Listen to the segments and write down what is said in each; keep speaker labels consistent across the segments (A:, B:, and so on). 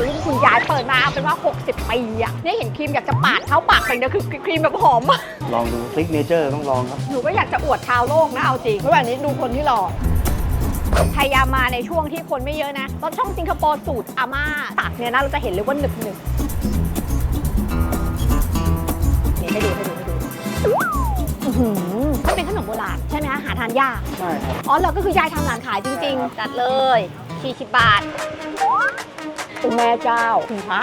A: รุ่นคุณยายเปิดมาเอาเป็นว่า60 ปีอะเนี่ยเห็นครีมอยากจะปาดเข้าปากไปเนี่ยคือครีมแบบหอม
B: ลองดูซิกเนเจอร์ต้องลองครับ
A: หนูก็อยากจะอวดชาวโลกนะเอาจริงระหว่างนี้ดูคนที่รอพยายามมาในช่วงที่คนไม่เยอะนะรถช่องสิงคโปร์สูตรอาม่าตักเนี่ยนะเราจะเห็นเลยว่าหนึบนี่ให้ดูมันเป็นขนมโบราณใช่ไหมคะหาทานยาก
B: ใช่ครับ
A: อ๋อเราก็คือยายทำร้านขายจริงๆจัดเลย40 บาทโอ้แม่เจ้าคุณพระ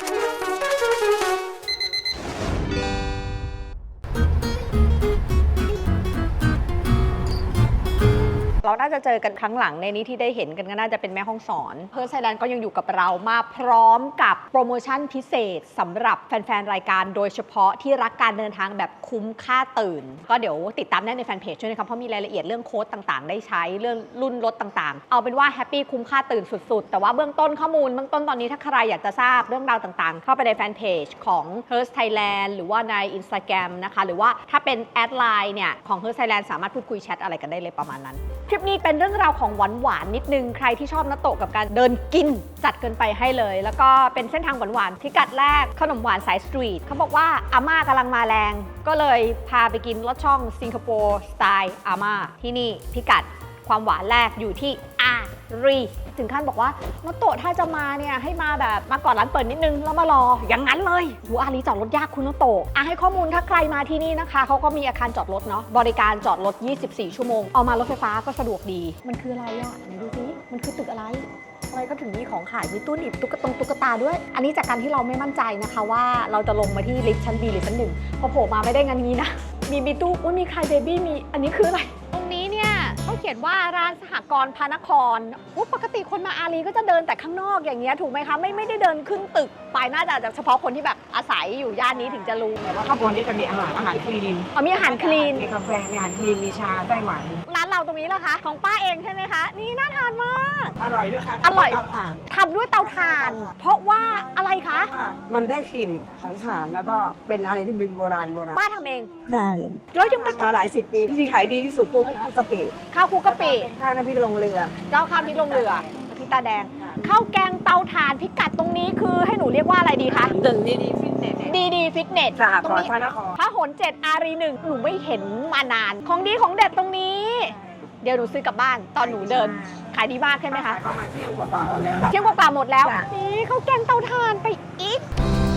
A: เราน่าจะเจอกันครั้งหลังในนี้ที่ได้เห็นกันก็น่าจะเป็นแม่ห้องสอนเพิร์ลไทยแลนด์ก็ยังอยู่กับเรามาพร้อมกับโปรโมชั่นพิเศษสำหรับแฟนๆรายการโดยเฉพาะที่รักการเดินทางแบบคุ้มค่าตื่นก็เดี๋ยวติดตามได้ในแฟนเพจด้วยนะครับเพราะมีรายละเอียดเรื่องโค้ดต่างๆได้ใช้เรื่องรุ่นรถต่างๆเอาเป็นว่าแฮปปี้คุ้มค่าตื่นสุดๆแต่ว่าเบื้องต้นข้อมูลเบื้องต้นตอนนี้ถ้าใครอยากจะทราบเรื่องราวต่างๆเข้าไปในแฟนเพจของ Hertz Thailand หรือว่าใน Instagram นะคะหรือว่าถ้าเป็นแอดไลน์เนี่ยของ Hertz Thailand สามารถพูดคุยแชทอะไรกันได้เลยประมาณนั้นคลิปนี้เป็นเรื่องราวของหวานๆนิดนึงใครที่ชอบนาโตะกับการเดินกินจัดเกินไปให้เลยแล้วก็เป็นเส้นทางหวานๆพิกัดแรกขนมหวานสายสตรีทเขาบอกว่าอาม่ากำลังมาแรงก็เลยพาไปกินรสช่องสิงคโปร์สไตล์อาม่าที่นี่พิกัดความหวานแรกอยู่ที่อารีถึงขั้นบอกว่านาโตะถ้าจะมาเนี่ยให้มาแบบมาก่อนร้านเปิดนิดนึงแล้วมารออย่างนั้นเลยอารีจอดรถยากคุณนาโตะให้ข้อมูลถ้าใครมาที่นี่นะคะเขาก็มีอาคารจอดรถเนาะบริการจอดรถ24 ชั่วโมงเอามารถไฟฟ้าก็สะดวกดีมันคืออะไรอะไหนดูสิมันคือตึกอะไรก็ถึงมีของขายมีตู้หนีบตุ๊กตาด้วย อันนี้จากการที่เราไม่มั่นใจนะคะว่าเราจะลงมาที่ลิฟต์ชั้น B หรือชั้น 1พอโผล่มาไม่ได้งั้นงี้นะมีตู้มีใครเบบี้มีอันนี้คืออะไรตรงนี้เนี่ยเขาเขียนว่าร้านสหกรณ์พระนครปกติคนมาอารีก็จะเดินแต่ข้างนอกอย่างเงี้ยถูกไหมคะไม่ได้เดินขึ้นตึกไปน่าจะเฉพาะคนที่แบบอาศัยอยู่ย่านนี้ถึงจะรู้
C: แต่ว่าข้างบนนี้จะมีอาหารคลีน
A: มีอาหารคลีน
C: มีกาแฟมีอาหารคลีนมีชาไต้หวัน
A: ร้านเราตรงนี้เหรอคะของป้าเองใช่ไหมคะนี่น่าทานมาก
C: อร่อยด้วยค่ะ
A: อร่อย
C: เตาถ่าน
A: ทำด้วยเตาถ่าน เพราะว่าอะไรคะ
C: มันได้กลิ่นของถ่านแล้วก็เป็นอะไรที่เป็นโบราณ
A: ป้าทำเอง
C: ได้
A: แล้วยังเป็น
C: มาหลายสิบปีที่ขายดีที่สุดพวกข้าวกะปิ
A: ข้าวคลุกกะปิ
C: ข้าวน้ำพริกลงเรือ
A: เจ้าข้าวพริกลงเรือพี่ตาแดงข้าวแกงเตาถ่านพิกัดตรงนี้คือให้หนูเรียกว่าอะไรดีคะ
C: ตึงดีฟิตเนส
A: ดีฟิตเนส
C: สห
A: ต
C: ก
A: รง
C: รณ์
A: นี้
C: พระนคร
A: พระหน7อารี1หนูไม่เห็นมานาน ของดีของเด็ดตรงนี้ เดี๋ยวหนูซื้อกลับบ้านตอนหนูเดินขายดีมากใช่ไหมคะ
C: ประมาณเที่ยงกว่าๆแล้ว
A: เที่ยงกว่าๆหมดแล้ว
C: จ้ะ
A: นี่ข้าวแกงเตาถ่านไปอีก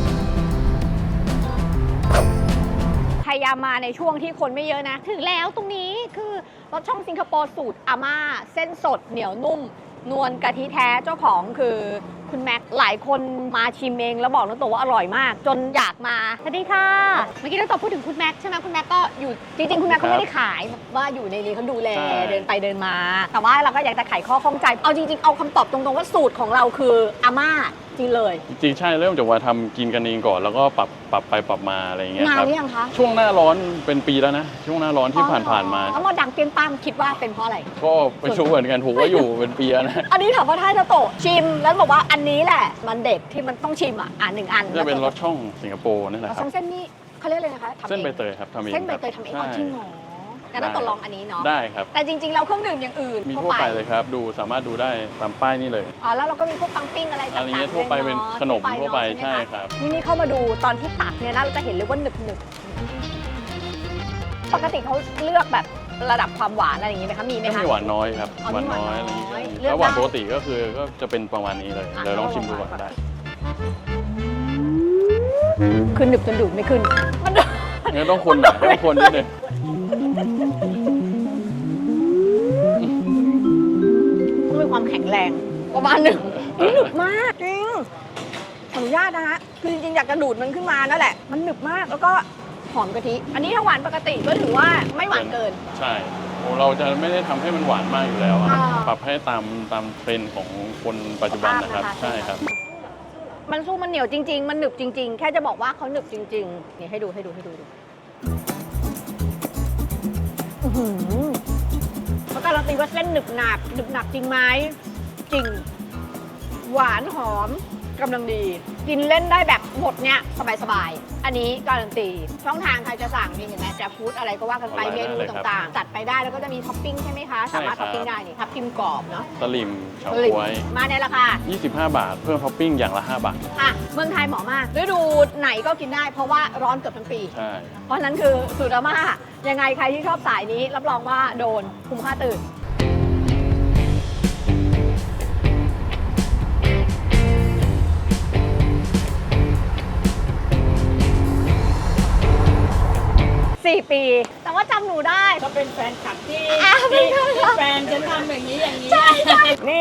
A: พยายามมาในช่วงที่คนไม่เยอะนะถึงแล้วตรงนี้คือรสช่องสิงคโปร์สูตรอาม่าเส้นสดเหนียวนุ่มนวลกะทิแท้เจ้าของคือคุณแม็กหลายคนมาชิมเองแล้วบอกน้องโตว่าอร่อยมาก จนอยากมาสวัสดีค่ะเมื่อกี้น้องโตพูดถึงคุณแม็กใช่ไหมคุณแม็กก็อยู่จริงๆคุณแม็กเขาไม่ได้ขายว่าอยู่ในนี้เขาดูแลเดินไปเดินมา แต่ว่าเราก็อยากจะไขข้อข้องใจเอาจริงๆเอาคำตอบตรงๆว่าสูตรของเราคืออาม่าจริงเลย
D: จริงๆใช่เริ่มจากว่าทำกินกันเองก่อนแล้วก็ปรับไปปรับมาอะไรอย่างเงี้ย
A: นาน
D: ครับ
A: หรือยังคะ
D: ช่วงหน้าร้อนเป็นปีแล้วนะช่วงหน้าร้อนที่ผ่านๆมา
A: แล้วมาดังเปรี้ยงป้างคิดว่าเป็นเพราะอะไร
D: ก็ไปชูเหมือนกันผมว่าอยู่เป็นปีแล้วนะ
A: อันนี้ถามว่าถ้าจะโตะชิมแล้วบอกว่าอันนี้แหละมันเด็ดที่มันต้องชิมหนึ่งอัน
D: จะเป็นรสช่องสิงคโปร์นี่แหละครับ
A: เส้นนี่เขาเรียกอะไรนะคะทำอง
D: เส้นใบเตยครับทำเอง
A: เส้นใบเตยทำเอง
D: ใช่
A: จริงเหรองั้นต้องตกลองอันนี้เนาะ
D: ได้ครับ
A: แต่จริงๆเราเครื่องดื่มอย่างอื่น
D: มีทั่วไปเลยครับดูสามารถดูได้ตามป้ายนี่เลย
A: อ๋อแล้วเราก็มีพวกปังปิ้งอะไรต่างๆ
D: อันนี้ทั่วไปเป็นขนมทั่วไปใช่ครับ
A: นี่เข้ามาดูตอนที่ตักเนี่ยนะเราจะเห็นเลยว่าหนึบปกติเขาเลือกแบบระดับความหวานอะไรอย่างนี้ไหมคะมีไหม
D: ก็
A: คะ
D: มีหวานน้อยครับ
A: อ๋อ
D: หวานน้อย
A: มี
D: อะไร
A: หวานน้อย
D: อย่างเงี้ย
A: เลือก
D: แล้วหวาน
A: ได้
D: ปกติก็คือก็จะเป็นประมาณนี้เลย
A: อ่ะ
D: เดี๋ยวลองชิมดูก่อนก็ได้
A: คือหนึบจนดูดไม่ขึ้นมัน
D: งั้นต้องคนหน่อยต้องคนนิดนึง
A: มีความแข็งแรงประมาณหนึ่งหนึบมากจริงขออนุญาตนะฮะคือจริงๆอยากจะดูดมันขึ้นมานั่นแหละมันหนึบมากแล้วก็หอมกะทิอันนี้ถ้าหวานปกติก็ถือว่าไม่หวานเกิน
D: ใช่เราจะไม่ได้ทำให้มันหวานมากอยู่แล้วอะ
A: อ่า
D: ปรับให้ตามเทรนด์ของคนปัจจุบันนะครับ
A: สภาพนะคะ
D: ใช่ครับ
A: มันสู้มันเหนียวจริง ๆ มันหนึบจริง ๆ แค่จะบอกว่าเขาหนึบจริงๆนี่ให้ดูเขาการันตีว่าเส้นหนึบหนักจริงไหมจริง หวานหอมกำลังดี กินเล่นได้แบบหมดเนี่ยสบายๆ อันนี้การันตี ช่องทางใครจะสั่งนี่เห็นไหมจะฟู้ดอะไรก็ว่ากันไป
D: ออน
A: เม
D: ไลน์
A: นู
D: ได้เลยครับ
A: ต่างๆ จัดไปได้แล้วก็จะมีท็อปปิ้งใช่ไหมคะ
D: ใช่
A: สามารถ
D: ครั
A: ท็อบ ปปิ้งได้นี่ทับทิมกรอบเนาะ
D: สลิมเฉา
A: สลิม
D: ก๊วย
A: มาในราคา
D: 25 บาท เพิ่มท็อปปิ้งอย่างละ 5 บาท
A: อ่ะเมืองไทยเหมาะมากฤดูไหนก็กินได้เพราะว่าร้อนเกือบทั้งปี
D: ใช่
A: เพราะฉะนั้นคือสูตรอาม่ายังไงใครที่ชอบสายนี้ รับรองว่าโดนคุ้มค่าตื่น 4 ปี แต่ว่าจำหนูได้
C: ก็เป็นแฟนคลับที่
A: อ่ะเป็นแฟนคลับ
C: แฟนฉันทำอย่างนี้อย่างนี้นี่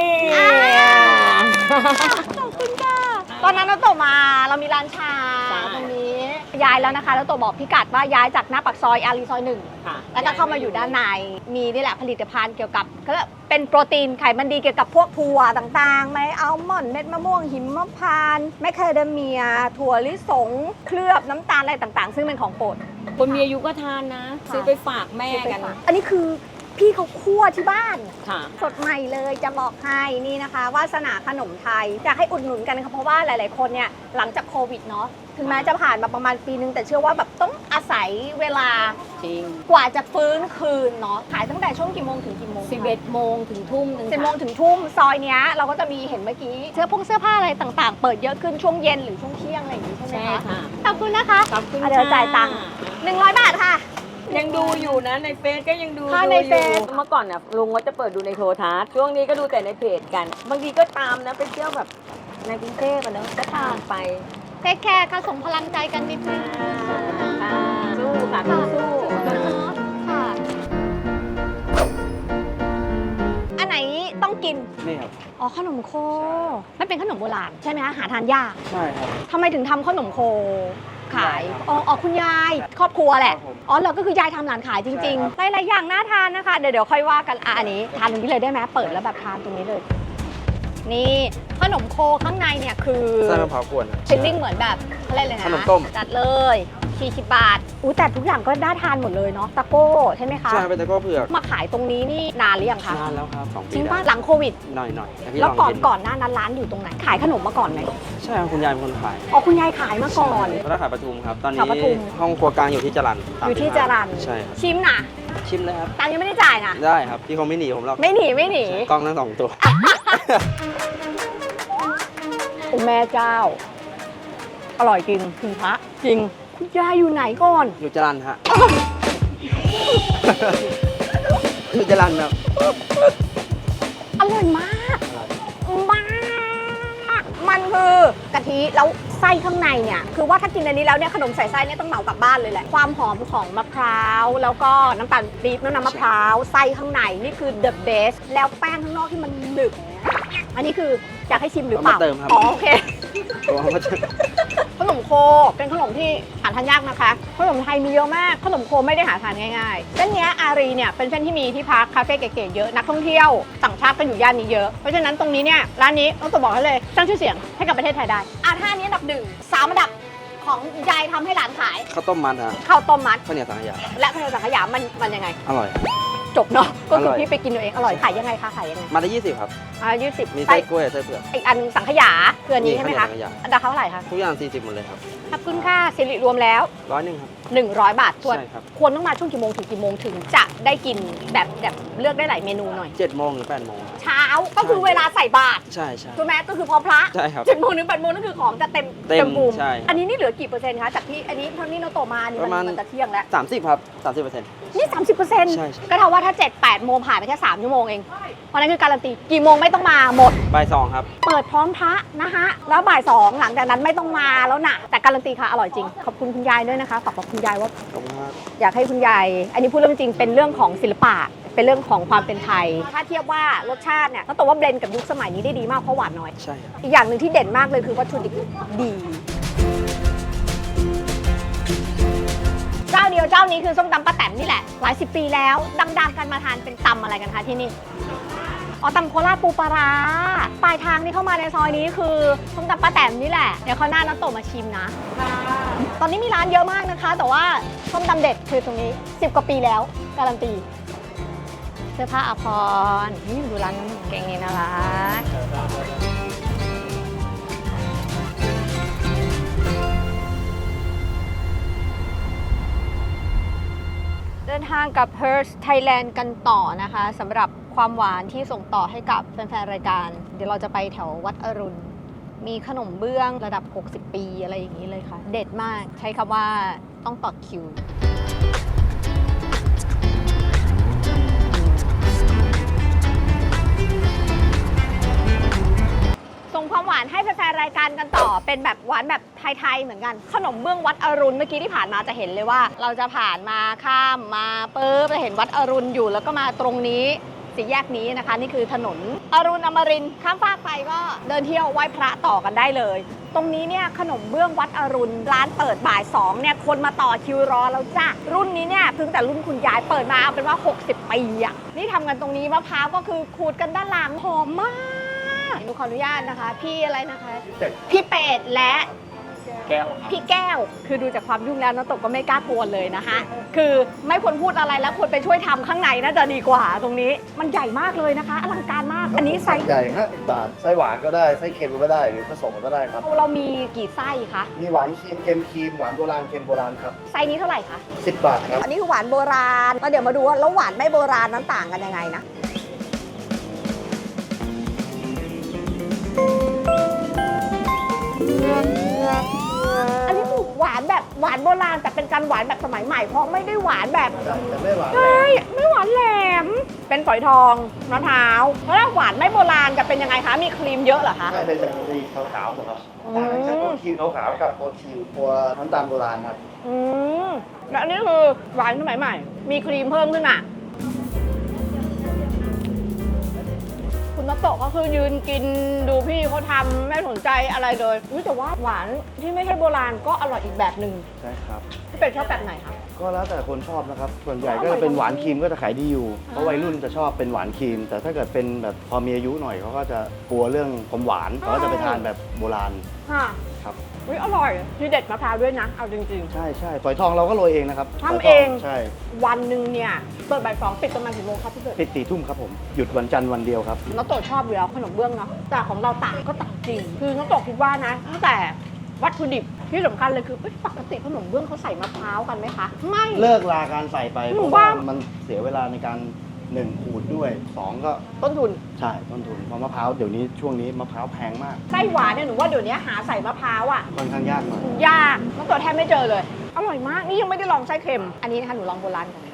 A: ขอบคุณค่ะ ตอนนั้นเราโตมาเรามีร้านชา
C: ใช่
A: ตรงนี้ ย้ายแล้วนะคะ แล้วโตบอกพี่กัดว่าย้ายจากหน้าปากซอยอารีซอย 1
C: ค่ะ
A: แล้วก็เข้ามาอยู่ด้านใน มีนี่แหละผลิตภัณฑ์เกี่ยวกับก็เป็นโปรตีนไขมันดีเกี่ยวกับพวกถั่วต่างๆไหมอัลมอนด์เม็ดมะม่วงหิมพานต์แมคคาเดเมีย ถั่วลิสง เคลือบน้ำตาลอะไรต่างๆ ซึ่งเป็นของโปรด
C: คนมีอายุก็ทานนะ ซื้อไปฝากแม่กัน
A: อันนี้คือพี่เขาคั่วที่บ้าน
C: ค่ะ
A: สดใหม่เลยจะบอกให้นี่นะคะวาสนาขนมไทยอยากให้อุดหนุนกันค่ะเพราะว่าหลาย ๆ คนเนี่ยหลังจากโควิดเนาะถึงแม้จะผ่านมาประมาณปีนึงแต่เชื่อว่าแบบต้องอาศัยเวลา
C: จริง
A: กว่าจะฟื้นคืนเนาะขายตั้งแต่ช่วงกี่โมงถึงกี่โมง
C: 11 โมงถึงทุ่มหนึง
A: 10 โมงถึงทุ่มซอยเนี้ยเราก็จะมีเห็นเมื่อกี้เสื้อผ้าอะไรต่าง ๆ เปิดเยอะขึ้นช่วงเย็นหรือช่วงเที่ยงอะไรอย่างนี้ใช่ไหม
C: ใช่
A: คะ
C: ค่ะ
A: ขอบคุณนะคะ
C: ขอบคุณ
A: เดี๋ยวจ่ายตังค์100 บาทค่ะ
C: ยังดูอยู่นะในเฟซก็ยังดู
A: ค่ะ
C: ดู
A: ใน
C: อยู่
A: เฟซ
C: เมื่อก่อนน่ะลุงก็จะเปิดดูในโทรทัศน์ช่วงนี้ก็ดูแต่ในเพจกัน บางทีก็ตามนะไปเที่ยวแบบในกรุงเทพอะเนอะก็ตามไป
A: เทคแคร์ค่ะส่งพลังใจกันนิดนึง
C: ค่ะสู้ค่ะสู้
A: ค่ะอันไหนต้องกิน
B: นี่ครับ
A: อ๋อขนมโคมันเป็นขนมโบราณใช่ไหมคะหาทานยาก
B: ใช่ครับ
A: ทำไมถึงทำขนมโคขาย
B: ยายครับ
A: อ๋อคุณยายครอบครัวแหละ
B: ครับผม
A: อ๋อเราก็คือยายทำร้านขายจริง
B: ใช่ครับ
A: ๆหลายๆอย่างน่าทานนะคะ เดี๋ยวค่อยว่ากันอันนี้ทานตรงนี้เลยได้ไหมเปิดแล้วแบบทานตรงนี้เลย นี่ขนมโคข้างในเนี่ยคือ
B: ไส้มะพร้าวกวน
A: ฟิลลิ่งเหมือนแบบอะไรเลยนะ
B: ขนมต้ม
A: จัดเลย40 บาทอู้แต่ทุกอย่างก็น่าทานหมดเลยเนาะตะโก้ใช่ไหมคะ
B: ใช่เป็นตะโก้เผือก
A: มาขายตรงนี้นี่นานหรือยังคะ
B: นานแล้วครับ2 ปี
A: จริง
B: ได้
A: ป่ะหลังโควิด
B: หน่อยแต่พี่
A: แล้ว
B: ลอง
A: ก่อน
B: กิน
A: ก่อนหน้านั้นร้านอยู่ตรงไหนขายขนมมาก่อนไหม
B: ใช่ครับคุณยายเป็นคนขาย
A: อ๋อคุณยายขายมาก่อน
B: แล้วขายปทุมครับ ตอนนี้
A: ขายปทุม
B: ห้องครัวกลางอยู่ที่จรัญ
A: อยู่ที่จรัญ
B: ใช่ครับ
A: ชิมนะ
B: ชิมเลยครับ
A: ตังค์ยังไม่ได้จ่ายนะ
B: ได้ครับ พี่คงไม่หนีผมหรอก
A: ไม่หนีไม่หนี
B: กล้องทั้ง2 ตัว
A: โอ้แม่เจ้า อร่อยจริงคุณพระจริง คุณยายอยู่ไหนก่อน
B: อยู่จรัญฮะ อยู่จรัญครับ
A: อร่อยมากมากมันคือกะทิแล้วไส้ข้างในเนี่ยคือว่าถ้ากินอันนี้แล้วเนี่ยขนมใส่ไส้เนี่ยต้องเหมากลับบ้านเลยแหละความหอมของมะพร้าวแล้วก็น้ำตาลปี๊บน้ำมะพร้าวไส้ข้างในนี่คือ the best แล้วแป้งข้างนอกที่มันหนึบอันนี้คืออยากให้ชิมหรือเปล่า
B: เอามาเติมครับ
A: อ๋อโอเค
B: ตัวเขาจะ
A: ขนมโคเป็นขนมที่หาทานยากนะคะขนมไทยมีเยอะมากขนมโคไม่ได้หาทานง่ายๆเส้นเนี้ยอารีเนี่ยเป็นเส้นที่มีที่พักคาเฟ่เก๋ๆเยอะนักท่องเที่ยวต่างชาติก็อยู่ย่านนี้เยอะเพราะฉะนั้นตรงนี้เนี่ยร้านนี้ต้องตัวบอกให้เลยสร้างชื่อเสียงให้กับประเทศไทยได้ท่านี้อันดับ1 3อันดับของยายทำให้หลานขาย
B: ข้าวต้มมัดฮะ
A: ข้าวต้มมัด
B: ข้าวเหนียวสังขยา
A: และข้าวเหนียวสังขยามันยังไง
B: อร่อย
A: จบเนาะก็คือ
B: ร่อย
A: พี่ไปกินเอาเองอร่อยขายยังไงคะขายยังไง
B: มาได้20ครับ
A: 20
B: มี
A: ไส้
B: ไส้กล้วยไส้เผือก
A: อีกอันสังขยาคืออันนี้ใช่ไหมคะ
B: ข้าวเหนียวสังขยา
A: อันดับเท่าไหร่คะ
B: ทุกอย่าง40หมดเลยครับ
A: ขอบคุณค่ะสิริรวมแล้ว
B: 100ครับ
A: 100 บาทส่วน
B: ใช่ครับ
A: ควรต้องมาช่วงกี่โมงถึงกี่โมงถึงจะได้กินแบบเลือกได้หลายเมนูหน่อย
B: 7 โมงถึง 8 โมง
A: เช้าก็คือเวลาใส่บาตร
B: ใช่ใช่
A: ถูกไหมก็คือพอพระ
B: ใช่ครับ
A: 7 โมงถึง 8 โมงนั่นคือของจะเต็ม
B: เต็ม
A: บูม
B: ใช่
A: อันนี้นี่เหลือกี่เปอร์เซ็นต์คะจากที่อันนี้เท่านี้เราโตมานี่
B: ประมาณ
A: มันจะเที่ยงแล้ว
B: 30ครับ30%
A: นี่ 30%
B: ใช่
A: ก็เท่าว่าถ้า 7-8 โมงผ่านไปแค่3ชั่วโมงเองเพราะนั้นคือการันตีกี่โมงไม่ต้องมาหมด
B: บ่าย2ครับ
A: เปิดพร้อมพระนะคะแล้วบ่าย2หลังจากนั้นไม่ต้องมาแล้วนะแต่การันตีค่ะอร่อยจริงขอบคุณคุณยายด้วยนะคะฝากบอกคุณยายว่า
B: ขอบคุณครับ
A: อยากให้คุณยาย อันนี้พูดเรื่องจริง เป็นเรื่องของศิลปะ เป็นเรื่องของความเป็นไทย ถ้าเทียบว่ารสชาติเนี่ยต้องบอกว่าเบลนด์กับยุคสมัยนี้ได้ดีมากเพราะหวานน้อย
B: ใช่ครับ
A: อีกอย่างหนึ่งที่เด่นมากเลยคือวัตถุดิบดี เจ้าเดียวเจ้านี้คือส้มตำป้าแต๋มนี่แหละ หลาย10 ปีแล้ว ดังๆกันมาทานเป็นตำอะไรกันคะที่นี่ อ๋อตำโคราชปูปลาร้าปลายทางที่เข้ามาในซอยนี้คือส้มตำป้าแต๋มนี่แหละ เดี๋ยวเขาวหน้าน้าโตมาชิมนะ ตอนนี้มีร้านเยอะมากนะคะ แต่ว่าส้มตำเด็ดคือตรงนี้ 10 กว่าปีแล้วการันตี เสื้อผ้าอภรณ์นี่ดูร้านเก่งนี่น่ารักดินทางกับ Hertz Thailand กันต่อนะคะสำหรับความหวานที่ส่งต่อให้กับแฟนๆ รายการ เดี๋ยวเราจะไปแถววัดอรุณ มีขนมเบื้องระดับ 60 ปีอะไรอย่างนี้เลยค่ะ เด็ดมากใช้คำว่าต้องต่อคิว ส่งความหวานให้แฟนๆ รายการกันต่อ เป็นแบบหวานแบบไทยๆ เหมือนกัน ขนมเบื้องวัดอรุณเมื่อกี้ที่ผ่านมาจะเห็นเลยว่า เราจะผ่านมาข้ามมาปุ๊บจะเห็นวัดอรุณอยู่แล้วก็มาตรงนี้สี่แยกนี้นะคะ นี่คือถนนอรุณอมรินทร์ข้ามฟากไปก็เดินเที่ยวไหว้พระต่อกันได้เลย ตรงนี้เนี่ยขนมเบื้องวัดอรุณร้านเปิดบ่าย2เนี่ยคนมาต่อคิวรอแล้วจ้ะรุ่นนี้เนี่ยเพิ่งแต่รุ่นคุณยายเปิดมาเอาเป็นว่า60 ปีอะนี่ทำกันตรงนี้มะพร้าวก็คือขูดกันด้านหลังหอมมากหนูขออนุญาตนะคะ พี่อะไรนะคะพี่เป็ดและ
D: แก้ว
A: พี่แก้วคือดูจากความยุ่งแล้วน้องตกก็ไม่กล้ากวนเลยนะคะคือไม่ควรพูดอะไรแล้วควรไปช่วยทำข้างในน่าจะดีกว่าตรงนี้มันใหญ่มากเลยนะคะอลังการมากอันนี้ไซส์
E: ใหญ่50 บาท ไส้หวานก็ได้ ไส้เค็มก็ได้ หรือผสมก็ได้ครับ
A: เรามีกี่ไส้คะ
E: มีหวานครีมเค็มครีม หวานโบราณเค็มโบราณครับ
A: ไซส์นี้เท่าไหร่คะ
E: 10 บาทครับ
A: อันนี้คือหวานโบราณแล้วเดี๋ยวมาดูว่าแล้วหวานไม่โบราณนั้นต่างกันยังไงนะอันนี้คือหวานแบบหวานโบราณแต่เป็นการหวานแบบสมัยใหม่เพราะไม่ได้หวานแบบ
E: แต่ไม่หวาน
A: ใช่ไม่หวานแหลม เป็นฝอยทองมะพร้าวแล้วถ้าหวานไม่โบราณจะเป็นยังไงคะ มีครีมเยอะเหรอคะ
E: ใช่เป็นจากสีขาวๆครับ
A: อืม
E: ต่างจากตัวครีมขาวๆกับตัวครีมตัวน้ำตาลโบราณครับ
A: อืมแล้วอันนี้คือหวานสมัยใหม่ มีครีมเพิ่มขึ้นมาคุณนัตโตะก็คือยืนกินดูพี่เขาทำไม่สนใจอะไรเลยอุ๊ยแต่ว่าหวานที่ไม่ใช่โบราณก็อร่อยอีกแบบหนึ่ง
E: ใช่ครับ
A: พี่เป็ดชอบแบบไหนคะ
E: ก็แล้วแต่คนชอบนะครับ ส่วนใหญ่ก็จะเป็นหวานครีมก็จะขายดีอยู่ เพราะวัยรุ่นจะชอบเป็นหวานครีม แต่ถ้าเกิดเป็นแบบพอมีอายุหน่อยเขาก็จะกลัวเรื่องความหวานเขาก็จะไปทานแบบโบราณ
A: ค่ะ
E: ครับ
A: อุ๊ยอร่อยที่เด็ดมะพร้าวด้วยนะ เอาจริง
E: ใช่ใช่ฝอยทองเราก็โรยเองนะครับ
A: ทำ
E: ฝยท
A: เอง
E: ใช่
A: ๆ วันหนึ่งเนี่ยเปิดบ่าย2ปิดประมาณกี่โมงครับพี่เป็ด
E: ปิด4 ทุ่มครับผม หยุดวันจันทร์วันเดียวครับ
A: น้องโตชอบอยู่แล้วขนมเบื้องเนาะแต่ของเราต่างก็ต่างจริง คือน้องโตคิดว่านะตั้งแต่วัตถุดิบที่สำคัญเลยคือเอ้ยปกติขนมเบื้องเขาใส่มะพร้าวกันไหมคะ ไม่
E: เลิกลาการใส่ไป
A: หนู
E: เพราะว่า
A: ว่า
E: มันเสียเวลาในการ1ขูดด้วย2ก็
A: ต้นทุน
E: ใช่ต้นทุนเพราะมะพร้าวเดี๋ยวนี้ช่วงนี้มะพร้าวแพงมาก
A: ไส้หวานเนี่ยหนูว่าเดี๋ยวนี้หาใส่มะพร้าวอ่ะ
E: ค่อนข้างยากหน่อย
A: ยากน้องโตแทบไม่เจอเลย อร่อยมากนี่ยังไม่ได้ลองไส้เค็มอันนี้นะคะหนูลองโบราณก่อน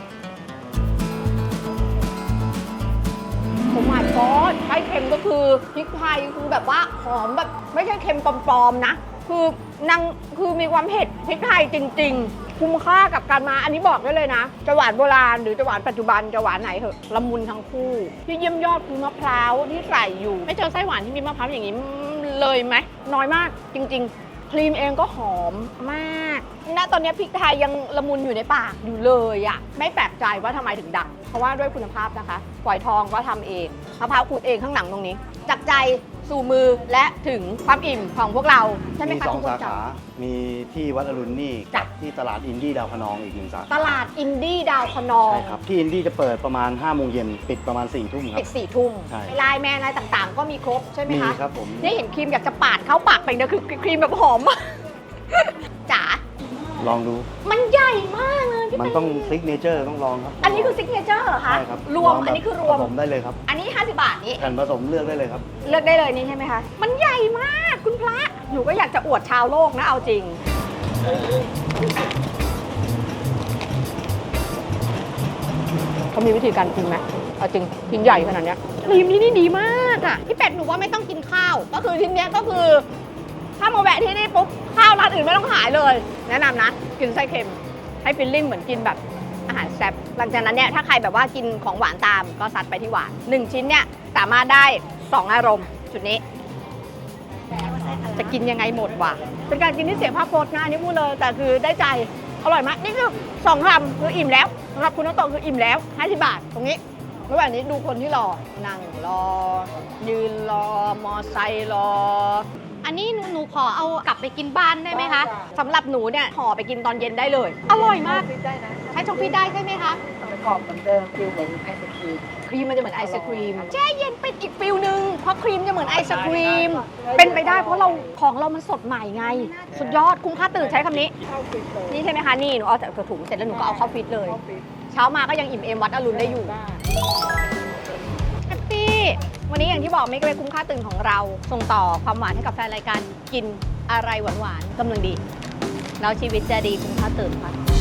A: ผมหมายก็ไส้เค็มก็คือพริกไทยคือแบบว่าหอมแบบไม่ใช่เค็มปลอมๆนะ คือนางคือมีความเผ็ดพริกไทยจริง ๆ คุ้มค่ากับการมาอันนี้บอกได้เลยนะจะหวานโบราณหรือจะหวานปัจจุบันจะหวานไหนเหอะละมุนทั้งคู่ที่เยี่ยมยอดคือมะพร้าวที่ใส่อยู่ ไม่เจอไส้หวานที่มีมะพร้าวอย่างนี้เลยไหมน้อยมากจริง ๆ ครีมเองก็หอมมากณตอนนี้พริกไทยยังละมุนอยู่ในปากอยู่เลยอะไม่แปลกใจว่าทำไมถึงดังเพราะว่าด้วยคุณภาพนะคะฝอยทองก็ทำเองมะพร้าวขูดเองข้างหลังตรงนี้จากใจสู่มือและถึงความอิ่มของพวกเราใช่ไหม
E: มี
A: คะ
E: 2
A: ทุกคน
E: สาขา มีที่วัดอรุณนี่
A: จ้ะ
E: กับที่ตลาดอินดี้ดาวคะนองอีก1 สาขา
A: ตลาดอินดี้ดาวคะนอง
E: ใช่ครับ ที่อินดี้จะเปิดประมาณ5 โมงเย็นปิดประมาณ4 ทุ่มครั
A: ปิ
E: บ
A: ด4 ทุ่ม
E: ใช่
A: ไลน์แมนอะไรต่างๆ ก็มีครบใช่ไหม
E: มี
A: คะ
E: ครับผม
A: นี่เห็นครีมอยากจะปาดเข้าปากไปนะคือครีมแบบหอมมาก จ๋า
E: ลองดู
A: มันใหญ่มากเลยพี่
E: มัน
A: เป็
E: ต้องซิกเนเจอร์ต้องลองครับ
A: อันนี้คือซิกเนเจอร์เหรอคะ
E: ใช่ครับ
A: รวม
E: ลงแบบ
A: อันนี้คือรวม
E: ผสมได้เลยครับ
A: อันนี้ 50 บาทนี้
E: แผ่นผสมเลือกได้เลยครับ
A: เลือกได้เลยนี่ใช่ไหมคะ มันใหญ่มากคุณพระ หนูก็อยากจะอวดชาวโลกนะเอาจริง เขามีวิธีการกินไหมเอาจริงกินใหญ่ขนาดเนี้ยครีมที่นี่ดีมากอ่ะพี่เป็ดหนูว่าไม่ต้องกินข้าว ก็คือที่เนี้ยก็คือ ถ้ามาแวะที่นี่ปุ๊บข้าวร้านอื่นไม่ต้องขายเลย แนะนำนะ กินไส้เค็มให้ฟิลลิ่งเหมือนกินแบบอาหารแซ่บหลังจากนั้นเนี่ยถ้าใครแบบว่ากินของหวานตามก็ซัดไปที่หวาน1ชิ้นเนี่ยสามารถได้ 2 อารมณ์จุดนี้ จะกินยังไงหมดวะเป็นการกินที่เสียภาพพจน์นะอันนี่พูดเลยแต่คือได้ใจอร่อยมากนี่คือ2 คำคืออิ่มแล้วสำหรับคุณน้องโตคืออิ่มแล้ว50 บาทตรงนี้ระหว่างนี้ดูคนที่รอนั่งรอ ยืนรอมอไซค์รอ อันนี้หนูขอเอากลับไปกินบ้านได้ไหมคะสำหรับหนูเนี่ยห่อไปกินตอนเย็นได้เลย อร่อยมาก
C: ได้นะ
A: ใช้ช่องฟิตได้ใช่ไหมคะ
C: กรอบเหมือนเดิมฟิลเหมือนไอศครีม
A: ครีมมันจะเหมือนไอศครีมแช่เย็นเป็นอีกฟิลนึงเพราะครีมจะเหมือนไอศครีมเป็นไปได้เพราะเราของเรามันสดใหม่ไง สุดยอดคุ้มค่าตื่นใช้คำนี้ นี่ใช่ไหมคะนี่หนูเอาจากถุงเสร็จแล้วหนูก็เอาเข้าฟิตเลย เช้ามาก็ยังอิ่มเอมวัดอรุณได้อยู่แฮปปี้วันนี้อย่างที่บอกไม่เป็นคุ้มค่าตื่นของเรา ส่งต่อความหวานให้กับแฟนรายการกินอะไรหวานๆกำลังดีแล้วชีวิตจะดีคุ้มค่าตื่นค่ะ